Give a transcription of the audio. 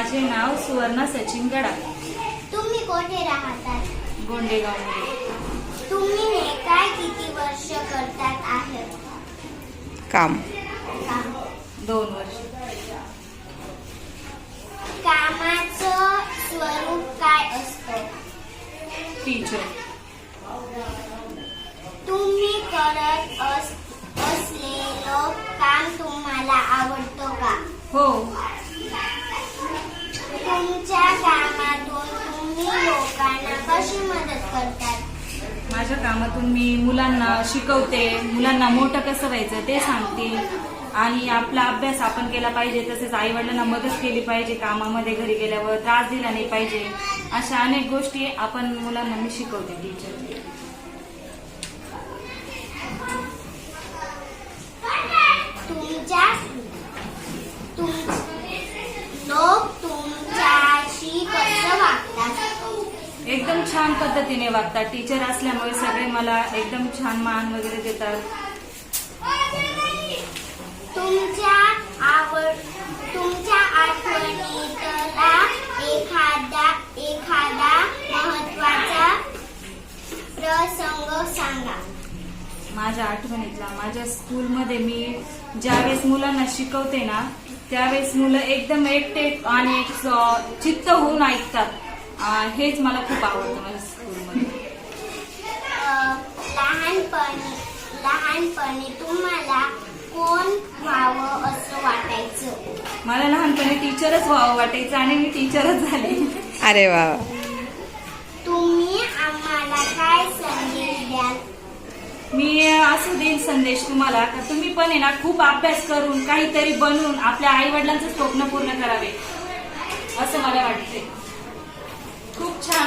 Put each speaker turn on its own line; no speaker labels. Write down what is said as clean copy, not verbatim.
माझे नाव सुवर्णा सचिन गडा.
तुम्ही कोठे राहतात?
गोंडेगावमध्ये.
तुम्ही हे काय किती वर्ष करतात आहे
काम.
2 वर्ष.
कामाचं स्वरूप काय असतं?
टीचर.
तुम्ही करत असलेलं काम तुम्हाला आवडतं का?
हो.
तुमच्या कामातून तुम्ही लोकांना कशी मदत करतात?
माझ्या कामातून मी मुलांना शिकवते, मुलांना मोठं कसं व्हायचं ते सांगते आणि आपला अभ्यास आपण केला पाहिजे, तसेच आई वडिलांना मदत केली पाहिजे, कामामध्ये घरी गेल्यावर त्रास दिला नाही पाहिजे, अशा अनेक गोष्टी आपण मुलांना मी शिकवते. टीचर.
लोक तुमच्याशी कसं वागतात?
एकदम छान पद्धतीने वागतात. टीचर असल्यामुळे सगळे मला एकदम छान मान वगैरे देतात.
तुमच्या आठवणीतला एखादा महत्वाचा प्रसंग सांगा.
माझ्या आठवणीतला, माझ्या स्कूलमध्ये मी ज्यावेळेस मुलांना शिकवते ना, त्यावेळेस मुलं एकदम एकटे आणि चित्त होऊन ऐकतात. हेच मला खूप आवडतं माझ्या स्कूलमध्ये.
लहानपणी तुम्हाला कोण व्हावं असं वाटायचं?
मला लहानपणी टीचरच व्हावं वाटायचं आणि मी टीचरच झाले.
अरे वा.
तुम्ही आम्हाला काय संदेश द्याल?
मी असं देईन संदेश तुम्हाला का तुम्ही पण आहे ना खूप अभ्यास करून काहीतरी बनवून आपल्या आई वडिलांचं स्वप्न पूर्ण करावे असं मला वाटते. खूप छान